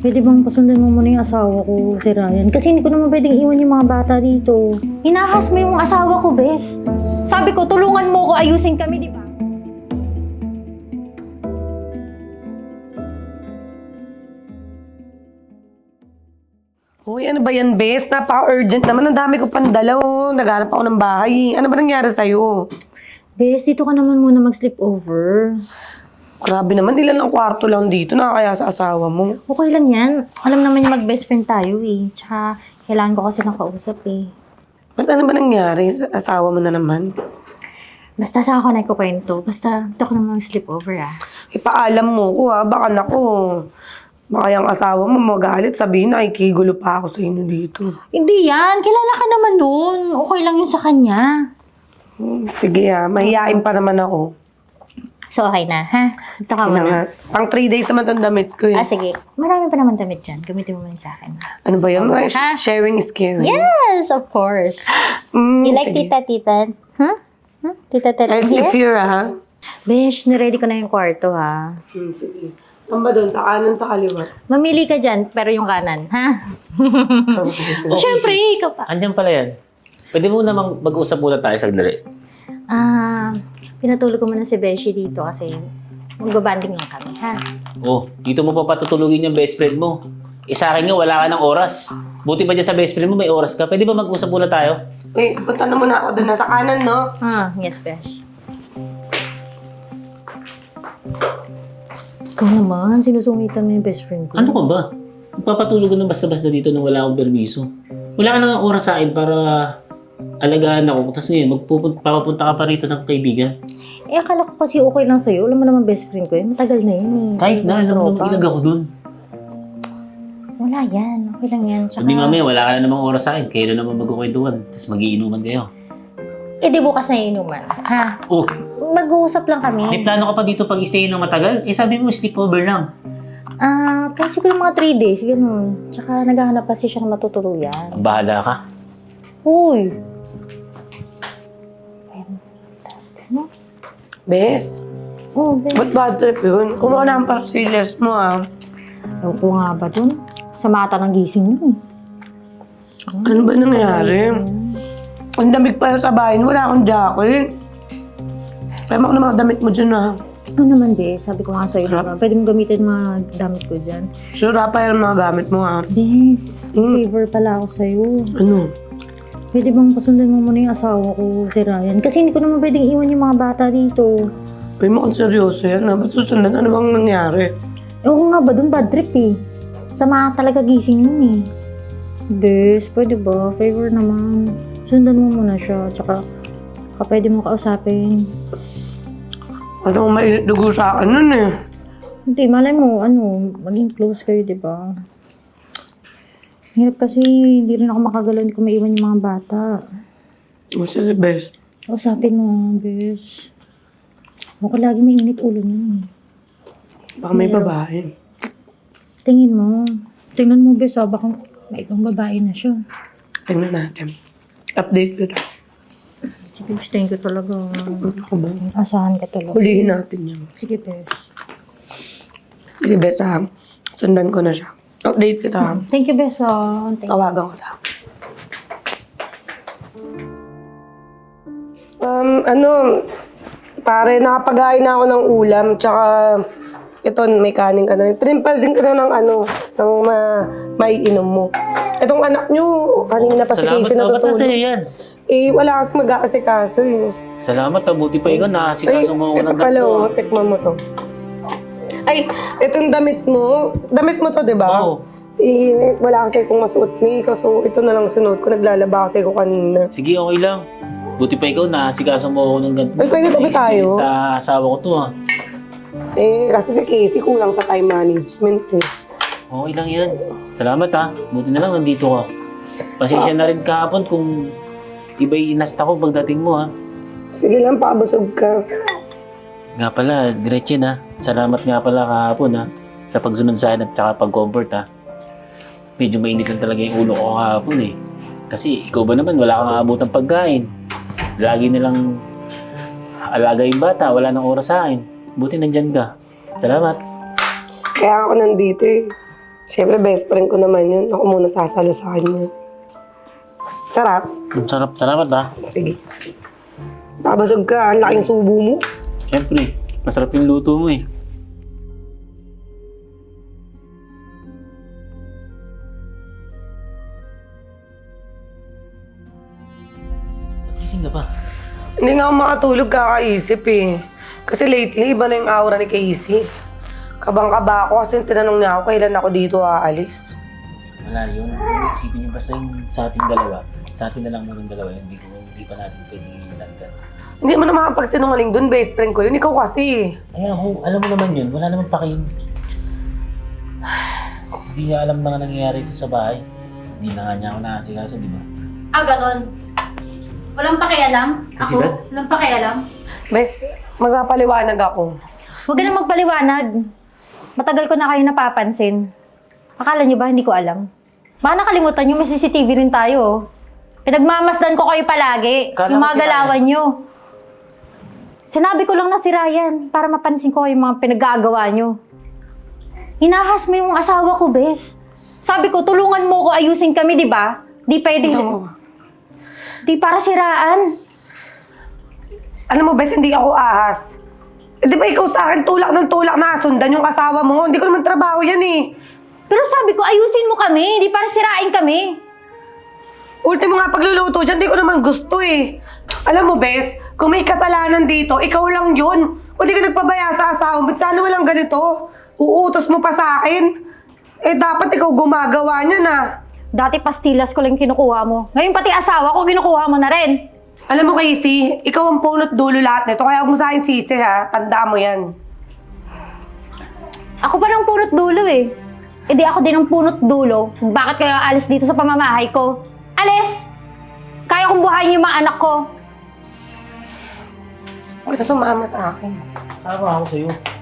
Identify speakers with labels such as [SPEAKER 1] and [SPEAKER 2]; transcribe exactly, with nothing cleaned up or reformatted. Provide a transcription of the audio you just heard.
[SPEAKER 1] Pwede bang pasundan mo muna yung asawa ko, si Ryan? Kasi hindi ko naman pwedeng iwan yung mga bata dito. Hinahas mo yung asawa ko, Bes. Sabi ko, tulungan mo ko ayusin kami, di ba?
[SPEAKER 2] Uy, ano ba yan, Bes? Napaka-urgent naman. Ang dami ko pang dala, oh. Naghanap ako ng bahay. Ano ba nangyari sa'yo?
[SPEAKER 1] Bes, dito ka naman muna mag-sleep over.
[SPEAKER 2] Grabe naman, ilan ang kwarto lang dito na kaya sa asawa mo.
[SPEAKER 1] Okay lang yan. Alam naman yung mag-best friend tayo eh. Tsaka, kailangan ko kasi ng kausap eh.
[SPEAKER 2] Ba't ano ba nangyari sa asawa mo na naman?
[SPEAKER 1] Basta sa ako na ikukwento. Basta, dito ko naman mag-sleep over ah.
[SPEAKER 2] Ipaalam mo ko, ha? Baka nako. Baka yung asawa mo magalit, sabihin na ikigulo pa ako sa inyo dito.
[SPEAKER 1] Hindi yan. Kilala ka naman nun. Okay lang yun sa kanya.
[SPEAKER 2] Hmm, sige ha, mahihain pa naman ako.
[SPEAKER 1] So, okay na, ha? Ito ka
[SPEAKER 2] Sige na
[SPEAKER 1] muna.
[SPEAKER 2] nga. Pang three days naman itong damit ko eh.
[SPEAKER 1] Ah, sige. Marami pa naman damit dyan. Gamitin mo muna sa akin.
[SPEAKER 2] Ano ba yun?
[SPEAKER 1] Ha?
[SPEAKER 2] Sharing is caring.
[SPEAKER 1] Yes, of course.
[SPEAKER 2] Mm,
[SPEAKER 1] You like
[SPEAKER 2] sige.
[SPEAKER 1] tita-tita? Huh? Huh? Tita-tita
[SPEAKER 2] I'll sleep
[SPEAKER 1] here?
[SPEAKER 2] here ha.
[SPEAKER 1] Besh, niready ko na yung kwarto, ha?
[SPEAKER 2] Hmm, sige. Saan ba doon? Sa kanan, sa kaliwa?
[SPEAKER 1] Mamili ka dyan, pero yung kanan, ha? Siyempre, ikaw pa.
[SPEAKER 3] Andiyan pala yan. Pwede mo namang mag-usap muna tayo sagdali.
[SPEAKER 1] Ah, pinatulog ko muna si Beshi dito kasi magbabanding lang kami, ha?
[SPEAKER 3] Oh, dito mo pa patutulugin yung best friend mo. Eh sa akin nga, wala ka ng oras. Buti ba dyan sa best friend mo, may oras ka? Pwede ba mag-usap muna tayo?
[SPEAKER 2] Uy, punta na muna ako doon. Nasa kanan, no?
[SPEAKER 1] Ah, yes, Besh. Ikaw naman, sinusungitan mo yung best friend ko.
[SPEAKER 3] Ano ka ba? Magpapatulog ka ng basta-basta dito nang wala akong permiso. Wala ka nang oras sa akin para alagaan ako. Tapos ngayon, magpupunta ka pa rito ng kaibigan.
[SPEAKER 1] Eh, akala ko kasi okay lang sa'yo. Alam mo naman best friend ko yun. Matagal na yun eh.
[SPEAKER 3] Kahit na, alam mo
[SPEAKER 1] Tropa.
[SPEAKER 3] naman ilag ako dun.
[SPEAKER 1] Wala yan. Okay lang yan. Tsaka,
[SPEAKER 3] Hindi mamaya, wala ka na namang oras sa akin. Kailan naman magkukwentuhan. Tapos magiinuman kayo.
[SPEAKER 1] eh, di bukas na inuman. Ha?
[SPEAKER 3] Oh,
[SPEAKER 1] Mag-uusap lang kami.
[SPEAKER 3] may plano ka pa dito pag-stay ng matagal? Eh sabi mo, sleepover lang.
[SPEAKER 1] Ah, kahit siguro mga three days, ganun. Tsaka naghahanap kasi siya ng matutuluyan.
[SPEAKER 3] Ang bahala ka.
[SPEAKER 1] Uy! Ano?
[SPEAKER 2] Bes,
[SPEAKER 1] Oh, Ben.
[SPEAKER 2] ba't bad trip yun? Kumuha na ang pastillas mo, ha?
[SPEAKER 1] Ewan ko nga ba dun? Sa mata ng gising nun eh.
[SPEAKER 2] Ano ba nangyari? Ang damig pa sa bahay. Wala akong jacket. Kaya mo na mga damit mo dyan, ha?
[SPEAKER 1] Ano naman, be? Sabi ko nga sa'yo,
[SPEAKER 2] Sarap.
[SPEAKER 1] diba? Pwede mo gamitin mga damit ko dyan.
[SPEAKER 2] Sure, pa yung mga gamit mo, ha?
[SPEAKER 1] Bes,
[SPEAKER 2] Mm.
[SPEAKER 1] favor pala ako sa'yo.
[SPEAKER 2] Ano?
[SPEAKER 1] Pwede bang pasundan mo muna yung asawa ko, si Ryan? Kasi hindi ko naman pwedeng iwan yung mga bata dito.
[SPEAKER 2] Pwede mo kung seryoso yan, ha? Ba't susundan? Ano bang nangyari?
[SPEAKER 1] Ewan ko nga ba dun, bad trip eh. Sama talaga gising nun eh. Bes, pwede ba? Favor naman. Sundan mo muna siya. Tsaka, baka pwede mo kausapin.
[SPEAKER 2] Ano kung mainit dugo sa akin nun, eh.
[SPEAKER 1] Hindi, malay mo, ano, maging close kayo, di ba? Hirap kasi, hindi rin ako makagalaw, hindi ko maiwan yung mga bata.
[SPEAKER 2] O, sige, Bes.
[SPEAKER 1] Kausapin mo, bes. Ako lagi may init ulo niya eh.
[SPEAKER 2] Baka may
[SPEAKER 1] Meron.
[SPEAKER 2] babae.
[SPEAKER 1] Tingin mo. Tingnan mo, bes, ah, baka may ibang babae na siya.
[SPEAKER 2] Tingnan natin. Update ko na.
[SPEAKER 1] Sige, gustuin ko talaga.
[SPEAKER 2] Ako ba?
[SPEAKER 1] Asahan ka talaga.
[SPEAKER 2] Hulihin natin yan.
[SPEAKER 1] Sige, bes.
[SPEAKER 2] Sige, Bes, ha? Sundan ko na siya. Update kita, ha?
[SPEAKER 1] Thank you, bes. ah. Thank you.
[SPEAKER 2] Tawagan ko ta. Um, ano, pare, nakapaghain na ako ng ulam, tsaka ito, may kanin ka na. Trimpal din ka na ng ano, ng ma maiinom mo. Itong anak nyo, kanina pa si
[SPEAKER 3] Salamat
[SPEAKER 2] Casey
[SPEAKER 3] na. Ba't
[SPEAKER 2] natutulog.
[SPEAKER 3] sa'yo yan?
[SPEAKER 2] Eh, wala kasi mag-aasikaso eh.
[SPEAKER 3] Salamat, ah. Buti pa ikaw.
[SPEAKER 2] Ay,
[SPEAKER 3] Nakasikaso mo ako
[SPEAKER 2] ito
[SPEAKER 3] ng
[SPEAKER 2] pala,
[SPEAKER 3] ganito.
[SPEAKER 2] oh, tikman mo to. Ay, itong damit mo, damit mo to, di ba?
[SPEAKER 3] Oo.
[SPEAKER 2] Eh, wala kasi akong masuot ni so ito na lang sunuot ko. Naglalaba kasi ako kanina.
[SPEAKER 3] Sige, okay lang. Buti pa ikaw, nakasikaso mo ako ng ganito.
[SPEAKER 2] Ay, pwede tabi tayo?
[SPEAKER 3] Sa asawa ko to, ah.
[SPEAKER 2] Eh, kasi si Casey kulang sa time management eh.
[SPEAKER 3] Okay lang yan. Salamat, ha. Buti na lang nandito ka. Pasensya na rin kahapon kung iba'y inasta ko pagdating mo, ha.
[SPEAKER 2] Sige lang, pakabusog ka.
[SPEAKER 3] Nga pala, Gretchen, ha. Salamat nga pala kahapon, ha. Sa pagsunod sa akin at saka pag-comfort, ha. Medyo mainit lang talaga yung ulo ko kahapon, eh. Kasi ikaw ba naman, wala kang aabutang pagkain. Lagi nilang alaga yung bata, wala nang oras sa akin. Buti nandyan ka. Salamat.
[SPEAKER 2] Kaya ako nandito eh. Siyempre, best friend ko naman yun. Ako muna sasalo sa kanya. Sarap.
[SPEAKER 3] Ang sarap, salamat ah.
[SPEAKER 2] Sige. Babasog ka, ang laking subo mo.
[SPEAKER 3] Siyempre, masarap yung luto mo eh. Gising ka pa.
[SPEAKER 2] Hindi nga ako makatulog kakaisip eh. Kasi lately, iba na yung aura ni Casey. Kabang-kaba ako kasi tinanong niya ako kailan ako dito aalis.
[SPEAKER 3] Wala yun. Isipin niyo basta yung sa ating dalawa. Sa atin na lang muna yung dalawa. Hindi, ko, hindi pa natin pwedeng ilandan.
[SPEAKER 2] Hindi mo na makapagsinungaling dun, best friend ko yun. Ikaw kasi.
[SPEAKER 3] Ay, ako, alam mo naman yun. Wala naman pa kayo. Hindi niya alam na nga nangyayari ito sa bahay. Hindi na nga niya ako nakasikaso, di ba?
[SPEAKER 1] Ah, ganon. Walang pakialam?
[SPEAKER 3] Kasi
[SPEAKER 1] Ako?
[SPEAKER 3] ba?
[SPEAKER 1] Walang pakialam?
[SPEAKER 2] Bes, magpapaliwanag ako.
[SPEAKER 1] Huwag ka na magpaliwanag. Matagal ko na kayo napapansin. Akala niyo ba hindi ko alam? Baka nakalimutan niyo, may C C T V rin tayo. Oh. Pinagmamasdan ko kayo palagi.
[SPEAKER 3] Kala
[SPEAKER 1] yung
[SPEAKER 3] ko
[SPEAKER 1] mga
[SPEAKER 3] si
[SPEAKER 1] galawan niyo. Sinabi ko lang na si Ryan para mapansin ko yung mga pinaggagawa niyo. Hinahas mo yung asawa ko, Bes. Sabi ko, tulungan mo ko ayusin kami, di ba? Di pwedeng...
[SPEAKER 2] No.
[SPEAKER 1] Di para siraan.
[SPEAKER 2] Alam mo, Bes, hindi ako ahas. Eh, di ba ikaw sa akin tulak ng tulak na sundan yung asawa mo? Hindi ko naman trabaho yan eh.
[SPEAKER 1] Pero sabi ko, ayusin mo kami. Di para sirain kami.
[SPEAKER 2] Ultimo nga pagluluto dyan, di ko naman gusto eh. Alam mo, Bes, kung may kasalanan dito, ikaw lang yun. Kung di ka nagpabaya sa asawa, ba't sana walang ganito? Uutos mo pa sa akin? Eh, dapat ikaw gumagawa niya na.
[SPEAKER 1] Dati pastilas ko lang kinukuha mo. Ngayon pati asawa ko kinukuha mo na rin.
[SPEAKER 2] Alam mo, Casey, ikaw ang punot dulo lahat nito, kaya huwag mo sa akin sisi ha. Tandaan mo yan.
[SPEAKER 1] Ako pa ng punot dulo eh. E di ako din ang punot dulo. Bakit kayo alis dito sa pamamahay ko? Alis! Kaya kong buhayin yung mga anak ko.
[SPEAKER 2] Huwag ka na sumama sa akin.
[SPEAKER 3] Sama ako sa'yo.